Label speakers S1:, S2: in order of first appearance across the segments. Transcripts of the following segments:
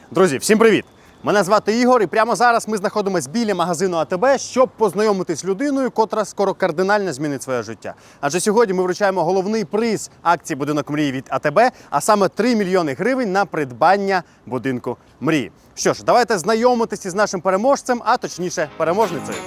S1: Друзі, всім привіт! Мене звати Ігор, і прямо зараз ми знаходимося біля магазину АТБ, щоб познайомитись з людиною, котра скоро кардинально змінить своє життя. Адже сьогодні ми вручаємо головний приз акції «Будинок мрії» від АТБ, а саме 3 мільйони гривень на придбання будинку мрії. Що ж, давайте знайомитися з нашим переможцем, а точніше переможницею.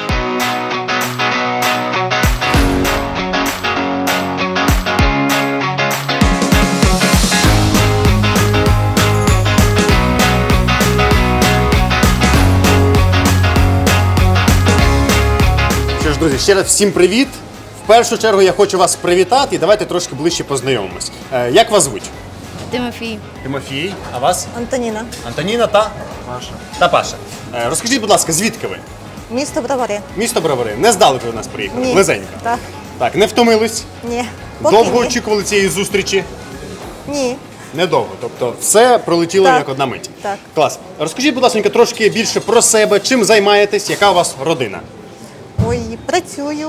S1: Друзі, ще раз всім привіт! В першу чергу я хочу вас привітати і давайте трошки ближче познайомимось. Як вас звуть?
S2: Тимофій.
S1: Тимофій. А вас?
S2: Антоніна.
S1: Антоніна та? Паша. Та Паша. Розкажіть, будь ласка, звідки ви?
S2: Місто Бровари.
S1: Місто Бровари. Не здалеку до нас приїхали?
S2: Ні.
S1: Близенько?
S2: Так.
S1: Так, не втомились?
S2: Ні. Поки
S1: Довго
S2: ні.
S1: очікували цієї зустрічі?
S2: Ні.
S1: Недовго. Тобто все пролетіло
S2: Так.
S1: як одна мить.
S2: Так.
S1: Клас. Розкажіть, будь ласка, трошки більше про себе, чим займаєтесь, яка у вас родина?
S2: Ой, працюю.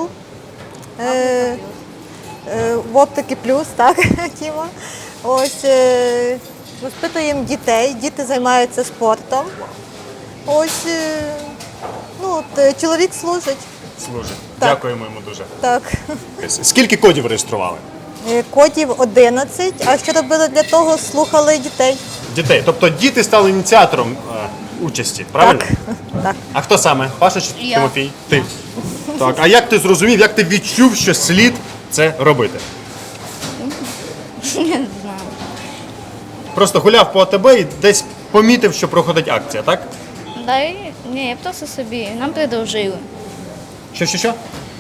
S2: В оптики плюс, так, Тіма. Ось, воспитуємо дітей, діти займаються спортом. Ось, чоловік служить.
S1: Служить.
S2: Так.
S1: Дякуємо йому дуже.
S2: Так.
S1: Скільки кодів реєстрували?
S2: Кодів 11, а що робили для того? Слухали дітей.
S1: Дітей. Тобто діти стали ініціатором участі, правильно?
S2: Так.
S1: А хто саме? Паша чи
S2: Я.
S1: Тимофій? Ти. Так. А як ти зрозумів, як ти відчув, що слід це робити?
S2: Не знаю.
S1: Просто гуляв по АТБ і десь помітив, що проходить акція, так?
S3: Ні, я просто собі. Нам предложили.
S1: Що?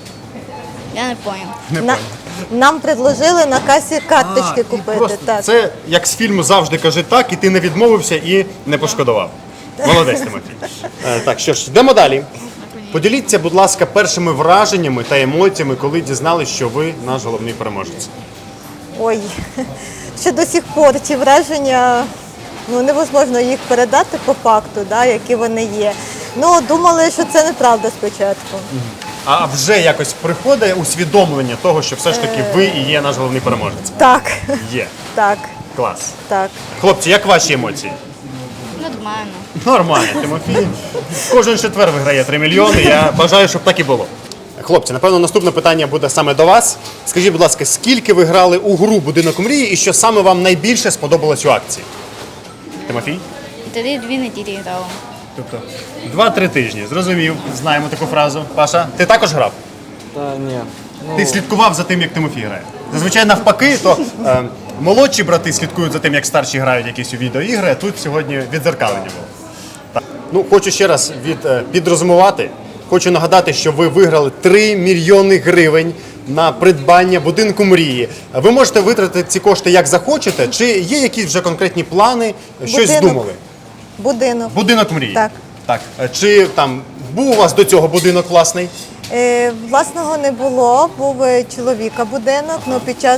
S3: Я не поняв.
S1: Не
S2: На-
S1: понял.
S2: Нам предложили на касі карточки
S1: І
S2: купити.
S1: просто
S2: Так.
S1: це як з фільму «Завжди кажи так», і ти не відмовився і не пошкодував. Молодець, Тимофій. Так, що ж, йдемо далі. Поділіться, будь ласка, першими враженнями та емоціями, коли дізналися, що ви наш головний переможець.
S2: Ой, ще до сих пор ці враження, невозможно їх передати по факту, які вони є. Думали, що це неправда спочатку.
S1: А вже якось приходить усвідомлення того, що все ж таки ви і є наш головний переможець?
S2: Так,
S1: Є.
S2: так,
S1: Клас.
S2: так.
S1: Хлопці, як ваші емоції?
S3: Нормально.
S1: Нормально, Тимофій. Кожен четвер виграє 3 мільйони. Я бажаю, щоб так і було. Хлопці, напевно, наступне питання буде саме до вас. Скажіть, будь ласка, скільки ви грали у гру «Будинок мрії» і що саме вам найбільше сподобалось у акції? Тимофій?
S3: 2 неділі грала.
S1: Тобто 2-3 тижні. Зрозумів. Знаємо таку фразу. Паша, ти також грав?
S4: Та ні.
S1: Ти слідкував за тим, як Тимофій грає? Зазвичай навпаки, то молодші брати слідкують за тим, як старші грають якісь у відеоігри, а тут сьогодні віддзеркалення було. Так. Хочу ще раз підрозумувати. Хочу нагадати, що ви виграли 3 мільйони гривень на придбання будинку мрії. Ви можете витратити ці кошти як захочете, чи є якісь вже конкретні плани, щось
S2: Будинок.
S1: здумали?
S2: Будинок.
S1: Будинок мрії?
S2: Так.
S1: Так. Чи там був у вас до цього будинок власний?
S2: Власного не було, був чоловіка будинок, але під час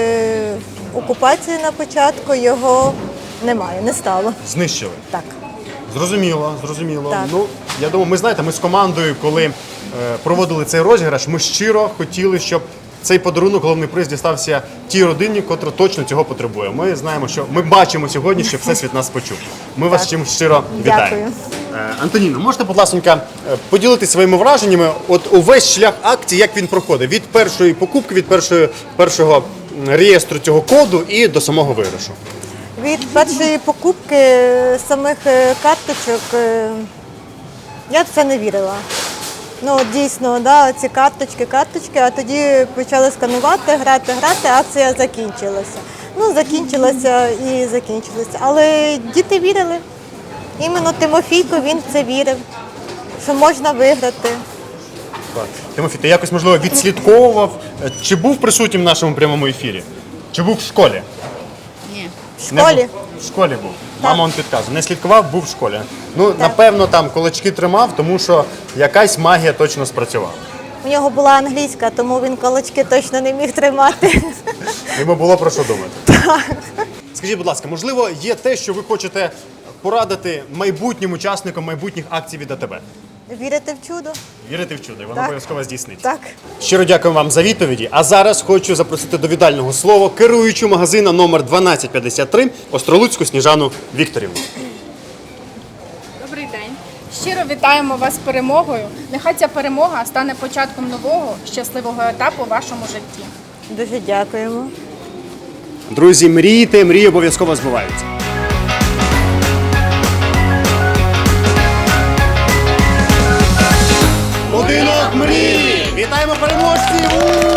S2: окупації на початку його немає, не стало.
S1: Знищили?
S2: Так.
S1: Зрозуміло.
S2: Так.
S1: Я думаю, ми з командою, коли проводили цей розіграш, ми щиро хотіли, щоб цей подарунок, головний приз, дістався тій родині, котра точно цього потребує. Ми знаємо, що ми бачимо сьогодні, що Всесвіт нас почув. Ми вас чим щиро вітаємо.
S2: Дякую.
S1: Антоніно, можете, будь ласка, поділитися своїми враженнями, от увесь шлях акції, як він проходить? Від першої покупки, від першого реєстру цього коду і до самого виграшу.
S2: Від першої покупки самих карточок я в це не вірила. Дійсно, ці карточки, а тоді почали сканувати, грати, акція закінчилася. Закінчилася і закінчилася. Але діти вірили. Іменно Тимофійко, він в це вірив, що можна виграти.
S1: Тимофій, ти якось, можливо, відслідковував, чи був присутнім в нашому прямому ефірі? Чи був в школі?
S3: Ні.
S2: В
S1: Не
S2: школі.
S1: був. В школі був. Мама он підказує. Не слідкував, був в школі. Напевно, там кулачки тримав, тому що якась магія точно спрацювала.
S2: У нього була англійська, тому він кулачки точно не міг тримати.
S1: Йому було про що думати. Скажіть, будь ласка, можливо, є те, що ви хочете порадити майбутнім учасникам майбутніх акцій від АТБ?
S2: Вірити в чудо?
S1: Вірити в чудо, і воно
S2: Так.
S1: обов'язково здійсниться.
S2: Так.
S1: Щиро дякую вам за відповіді. А зараз хочу запросити до віддального слова керуючу магазина номер 1253 Остролуцьку Сніжану Вікторівну.
S4: Добрий день. Щиро вітаємо вас з перемогою. Нехай ця перемога стане початком нового щасливого етапу у вашому житті.
S2: Дуже дякуємо.
S1: Друзі, мрійте, мрії обов'язково збуваються. Будинок мрії! Вітаємо переможців!